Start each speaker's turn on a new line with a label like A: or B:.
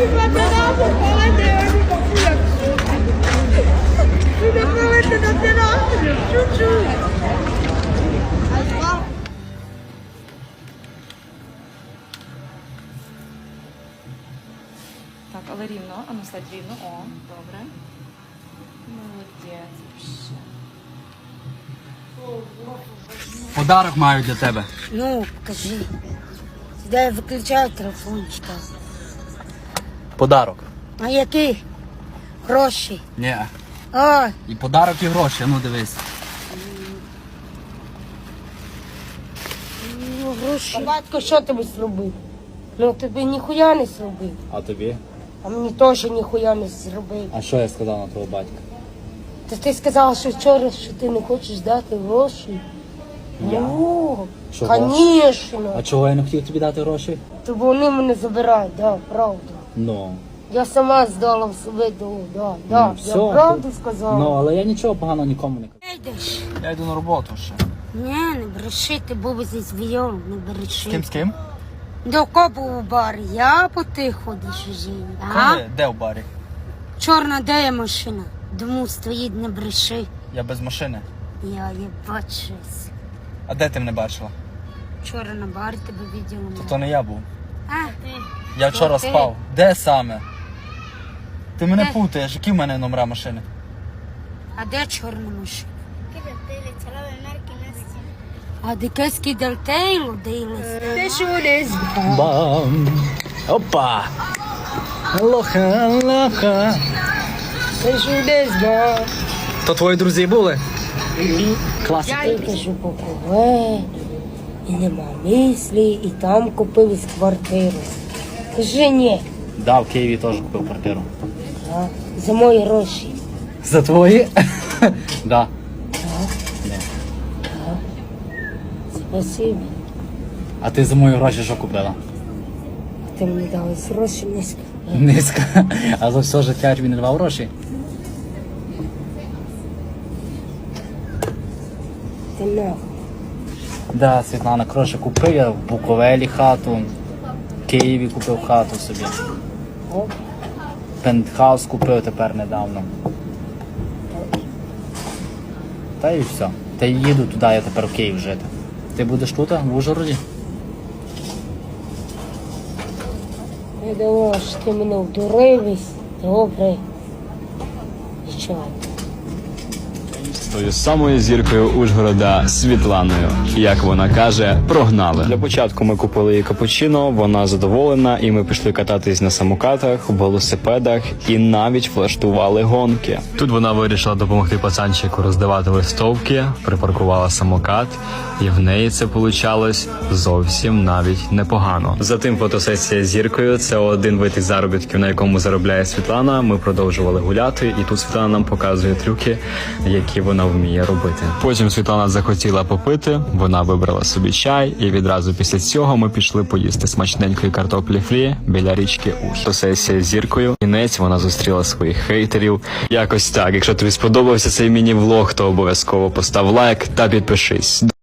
A: Так, але рівно, а ну стать рівно. О, добре. Молодець.
B: Подарок маю для тебе.
C: Ну, покажи. Сюди я виключаю телефончика.
B: Подарок.
C: А який? Гроші.
B: Ні.
C: Ой,
B: І подарок, і гроші, ну дивись.
C: ну гроші. А батько що тобі зробив? Ну тобі ніхуя не зробив.
B: А тобі?
C: А мені теж ніхуя не зробив.
B: А що я сказав на твого батька?
C: Та ти сказала, що вчора, що ти не хочеш дати гроші.
B: Я?
C: Ну,
B: Чого?
C: звісно.
B: А чого я не хотів тобі дати гроші?
C: То вони мене забирають, да, правда.
B: Ну.
C: Я сама здала в себе до, да. Я
B: все,
C: правду
B: то-
C: сказала.
B: Ну, але я нічого поганого нікому не кажу.
C: Йдеш?
B: Я йду на роботу ще.
C: Ні, не бреши, ти був зі звійом, не бреши.
B: З ким?
C: До кого у барі? Я по ти ходиш жив. А?
B: Коли? Де в барі?
C: Чорна, де є машина? Дому стоїть, не бреши.
B: Я без машини.
C: Я її бачусь.
B: А де ти мене бачила?
C: Вчора на барі тебе виділа.
B: То не я був.
C: А,
B: Я вчора
C: ти?
B: спав. Де саме? Ти мене
C: Де?
B: путаєш, які в мене номера машини?
C: а де чорна машина? А де кески дельтейлу дивились? Ти що десь?
B: Бам! Опа! Лоха.
C: Ти що десь, ба?
B: То твої друзі були? Класика.
C: Я кажу, попливе, і нема мислі, і там купив квартиру. Кажи ні,
B: Да, в Києві теж купив квартиру.
C: а, за мої гроші.
B: За твої? Да.
C: Спасибо.
B: А ти за мої гроші що купила?
C: Ти мені дали гроші низько.
B: Низько. А за все життя я тобі не давав гроші?
C: Ти нахуй.
B: Да, Світлана, коротше, купив я в Буковелі хату, в Києві купив хату собі.
C: О,
B: Пентхаус купив тепер недавно. Та і все. Та й їду туди, я тепер в Київ жити. Ти будеш тут, в Ужгороді?
C: я думала, що ти мене вдуривись. Добре. І чого?
D: Тою самою зіркою Ужгорода Світланою. Як вона каже, прогнали. Для початку ми купили їй капучино, вона задоволена, і ми пішли кататись на самокатах, велосипедах і навіть влаштували гонки. Тут вона вирішила допомогти пацанчику роздавати листовки, припаркувала самокат, і в неї це получалось зовсім навіть непогано. Затим фотосесія з зіркою – це один вид із заробітків, на якому заробляє Світлана. Ми продовжували гуляти, і тут Світлана нам показує трюки, які вона вміє робити. Потім Світлана захотіла попити, вона вибрала собі чай, і відразу після цього ми пішли поїсти смачненької картоплі фрі біля річки Уж. Фотосесія з зіркою. Кінець вона зустріла своїх хейтерів. Якось так. Якщо тобі сподобався цей міні-влог, то обов'язково постав лайк та підпишись.